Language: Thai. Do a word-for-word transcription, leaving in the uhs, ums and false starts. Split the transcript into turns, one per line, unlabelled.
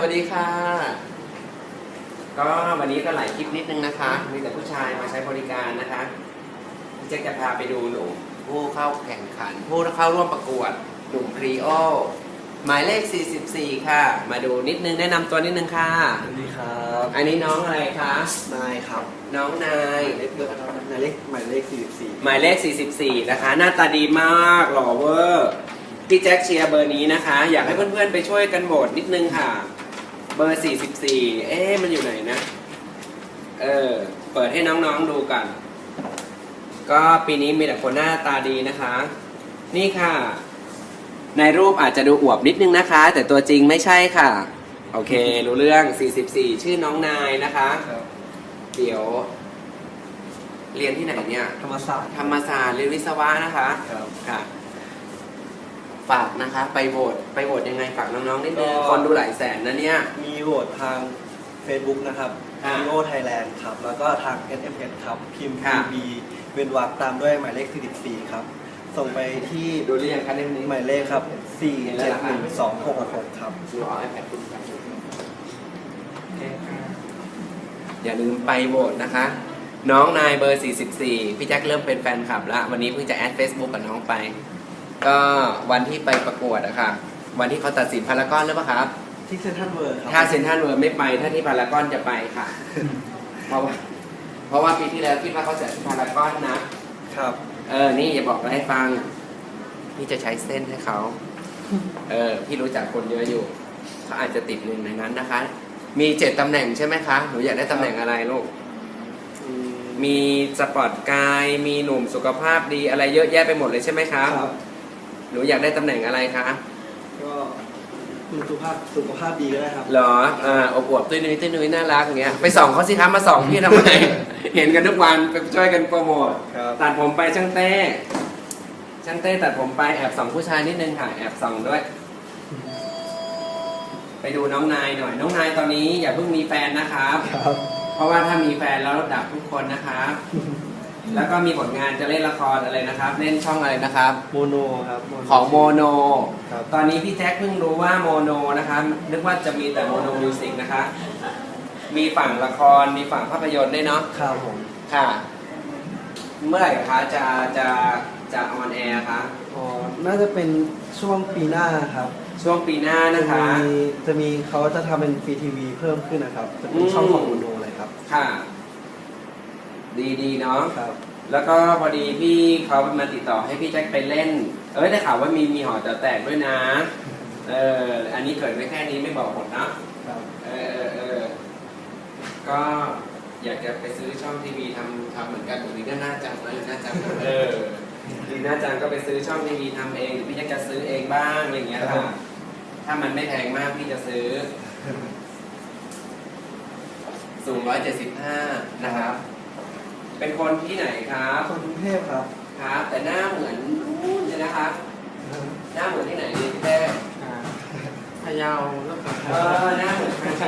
สวัสดีค่ะก็วันนี้ก็หลายคลิปนิดนึงนะคะมีแต่ผู้ชายมาใช้บริการนะคะพี่แจ็คจะพาไปดูหนุ่มผู้เข้าแข่งขันผู้เข้าร่วมประกวดหนุ่มพรีโอหมายเลขสี่สิบสี่ค่ะมาดูนิดนึงแนะนำตัวนิดนึงค่ะ
สวัสดีครับ
อันนี้น้องอะไรคะ
นายครับ
น้องนาย
เลขเบอร์นายเลขหมายเลขสี่สิบสี่
หมายเลขสี่สิบสี่นะคะหน้าตาดีมากหล่อเวอร์พี่แจ็คเชียร์เบอร์นี้นะคะอยากให้เพื่อนๆไปช่วยกันโหวตนิดนึงค่ะเบอร์สี่สิบสี่เอ๊ะมันอยู่ไหนนะเออเปิดให้น้องๆดูกันก็ปีนี้มีแต่คนหน้าตาดีนะคะนี่ค่ะในรูปอาจจะดูอวบนิดนึงนะคะแต่ตัวจริงไม่ใช่ค่ะโอเครู้เรื่องสี่สิบสี่ชื่อน้องนายนะคะเดี๋ยวเรียนที่ไหนเนี่ย
ธรรมศาสตร์
ธรรมศาสตร์เรียนวิศวะนะคะค่ะฝากนะคะไปโหวตไปโหวตยังไงฝากน้องๆนิดนึงคนดูหลายแสนนะเนี่ย
มีโหวตทาง Facebook นะครับพีโอ Thailand ครับแล้วก็ทาง เอส เอ็ม เอส ครับพิมพ์ พี บี เว้นวรรคตามด้วยหมายเลขสี่สิบสี่ครับส่งไปที่
ดูหรือยังคะเล่มนี้
หมายเลขครับสี่ เจ็ด หนึ่ง สอง หก หกครับ
ดูเอาไอแพดคุณครับอย่าลืมไปโหวตนะคะน้องนายเบอร์สี่สิบสี่พี่แจ็คเริ่มเป็นแฟนคลับแล้ววันนี้เพิ่งจะแอด Facebook กับน้องไปก็วันที่ไปประกวดอะค่ะวันที่เขาตัดสินพารากอนหรือเปล่าครับ
ที่เซ็นทรัลเวิลด์ครับ
ถ้าเซ็นทรัลเวิลด์ไม่ไปถ้าที่พารากอนจะไปค่ะเพราะว่าเพราะว่าปีที่แล้วคิดว่าเขาจะพารากอนนะครับเออนี่อย่าบอกอะไรให้ฟังพี่จะใช้เส้นให้เขาเออพี่รู้จักคนเยอะอยู่เขาอาจจะติดหนึ่งในนั้นนะคะมีเจ็ดตำแหน่งใช่ไหมคะหนูอยากได้ตำแหน่งอะไรลูกมีสปอร์ตกายมีหนุ่มสุขภาพดีอะไรเยอะแยะไปหมดเลยใช่ไหมคะหนูอยากได้ตำแหน่งอะไรคะ
ก็สุขภาพสุขภาพดีก็ได้ครับ
เหรออ่าอบอวบตุ้ยนุ้ยตุ้ยนุ้ยน่ารักอย่างเงี้ยไปส่องเขาสิคะมาส่องพี่ทำไม เห็นกันทุกวันไปช่วยกันโปรโมทตัดผมไปช่างเต้ช่างเต้ตัดผมไปแอบส่องผู้ชายนิดนึงค่ะแอบส่องด้วย ไปดูน้องนายหน่อยน้องนายตอนนี้อย่าเพิ่งมีแฟนนะครับเพราะว่าถ้ามีแฟนแล้วดับทุกคนนะครับแล้วก็มีผลงานจะเล่นละครอะไรนะครับเล่นช่องอะไรนะครับ
โมโนครับ
ของโมโนตอนนี้พี่แจ็คเพิ่งรู้ว่าโมโนนะครับนึกว่าจะมีแต่โมโนมิวสิกนะคะมีฝั่งละครมีฝั่งภาพยนตร์ด้วยเนาะ
ครับผม
ค่ะเมื่อไหร่คะจะจะจะออนแอร์คะ
อ๋อน่าจะเป็นช่วงปีหน้าครับ
ช่วงปีหน้านะคะ
จะมีจะมีเขาจะทำเป็นฟรีทีวีเพิ่มขึ้นนะครับจะเป็นช่องของโมโนเลยครับ
ค่ะดีดีเนาะ
ครับ
แล้วก็พอดีพี่เขามาติดต่อให้พี่แจ็คไปเล่นเอ้ยได้ข่าวว่ามีมีหอจะแตกด้วยนะเอออันนี้เกิดไว้แค่นี้ไม่บอกหมดนะครับเออเออก็อยากจะไปซื้อช่องทีวีทำทำเหมือนกันตรงนี้ก็น่าจังนะน่าจังเออดีน่าจังก็ไปซื้อช่องทีวีทำเองพี่แจ็คจะซื้อเองบ้างอะไรอย่างเงี้ยค่ะถ้ามันไม่แพงมากพี่จะซื้อสูงร้อยเจ็ดสิบห้านะครับเป็นคนที่ไหนครับ
คนกรุงเทพครับ
ครับแต่หน้าเหมือนนู่นเลยนะครับหน้าเหมือนที่ไหนดีพี่แท้
พะเยาแล้วก็
เออหน้าเหมือนพะ